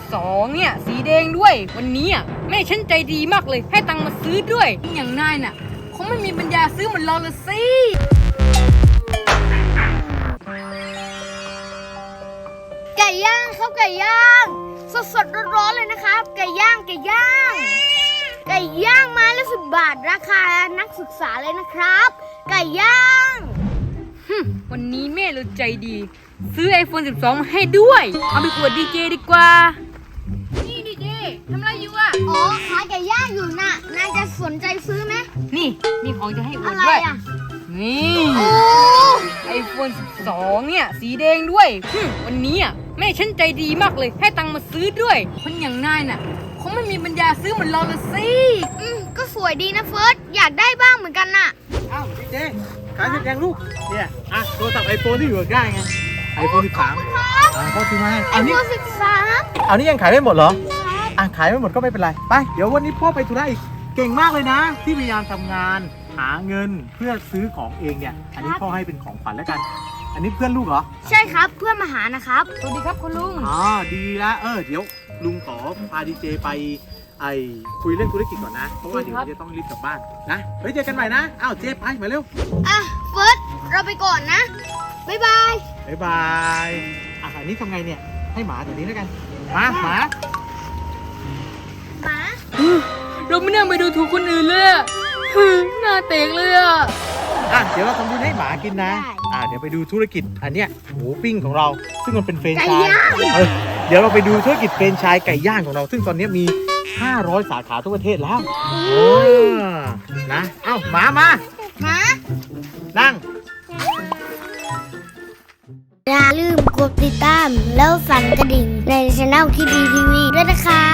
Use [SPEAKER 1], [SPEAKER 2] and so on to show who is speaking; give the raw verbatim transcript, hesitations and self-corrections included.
[SPEAKER 1] สองเนี่ยสีแดงด้วยวันนี้อ่ะแม่ฉันใจดีมากเลยให้ตังค์มาซื้อด้วยอย่างนายน่ะคงไม่มีปัญญาซื้อเหมือนเราละสิ
[SPEAKER 2] ไก่ย่างครับไก่ย่างสดสดร้อนๆเลยนะครับไก่ย่างไก่ย่างไก่ย่างไม้ละสิบบาทราคานักศึกษาเลยนะครับไก่ย่าง
[SPEAKER 1] วันนี้แม่เราใจดีซื้อ ไอโฟน สิบสอง มาให้ด้วยเอาไปอวดดีเจดีกว่านี่ดีเจทำอะไรอยู่อ่ะ
[SPEAKER 2] อ๋อขายไก่ย่างอยู่น่ะนายจะสนใจซื้อไหม
[SPEAKER 1] นี่มีของจะให้อว
[SPEAKER 2] อะ
[SPEAKER 1] ด
[SPEAKER 2] ไร
[SPEAKER 1] ด้วย
[SPEAKER 2] อ่ะ
[SPEAKER 1] นี่
[SPEAKER 2] โอ้
[SPEAKER 1] ไอโฟน สิบสอง เนี่ยสีแดงด้วยวันนี้อ่ะแม่ฉันใจดีมากเลยให้ตังค์มาซื้อด้วยคนอย่างนายน่ะคงไม่มีปัญญาซื้อเหมือนเราละสิ
[SPEAKER 2] อืมก็สวยดีนะเฟิร์สอยากได้บ้างเหมือนกันน่ะ
[SPEAKER 3] อ้าวดีเจขายเสร็จยังลูกเนี่ยอ่ะโทรศัพท์ไอโฟนที่อยู่ได้ไงไอโฟนสิบสามอ่าพ่อซื้อมาให้
[SPEAKER 2] ไอ
[SPEAKER 3] อัน
[SPEAKER 2] โฟ
[SPEAKER 3] นี้
[SPEAKER 2] นสิบสาม
[SPEAKER 3] อันนี้ยังขายไม่หมดเหรออ่ะขายไม่หมดก็ไม่เป็นไรไปเดี๋ยววันนี้พ่อไปธุระอีกเก่งมากเลยนะ ที่พยายามทำงานหาเงินเพื่อซื้อของเองเนี่ยอันนี้พ่อให้เป็นของขวัญแล้วกัน อันนี้เพื่อนลูกเหรอ
[SPEAKER 2] ใช่ครับเพื่อนมาหานะครับ
[SPEAKER 1] สวัสดีครับคุณลุง
[SPEAKER 3] อ๋อดีละเออเดี๋ยวลุงขอพาดีเจไปไอคุยเรื่องธุรกิจก่อนนะเพราะว่าเดี๋ยวจะต้องรีบกลับบ้านนะเฮ้ยเจอกันใหม่นะอ้าวเจไปมาเร็ว
[SPEAKER 2] อ่ะเฟิร์สเราไปก่อนนะบ๊ายบาย
[SPEAKER 3] บ๊ายบายอ่ะอันนี้ทำไงเนี่ยให้หมาตัวนี้แล้วกันมาหมา
[SPEAKER 2] หมา
[SPEAKER 1] เราไม่น่าไปดูถูกคนอื่นเลยอะหน้าเตกเลยอ่ะ
[SPEAKER 3] อ่ะเดี๋ยวเราทำบุญให้หมากินนะอ่ะเดี๋ยวไปดูธุรกิจอันเนี้ยหมูปิ้งของเราซึ่งมันเป็นเฟรนไชส์เออเดี๋ยวเราไปดูธุรกิจเฟรนไชส์ไก่ย่างของเราซึ่งตอนนี้มีห้าร้อยสาขาทั่วประเทศแล้วเออนะเอ้าหมามา
[SPEAKER 2] หมา
[SPEAKER 3] นั่ง
[SPEAKER 2] อย่าลืมกดติดตามแล้วสั่นกระดิ่งในช่องคิดดีทีวีด้วยนะคะ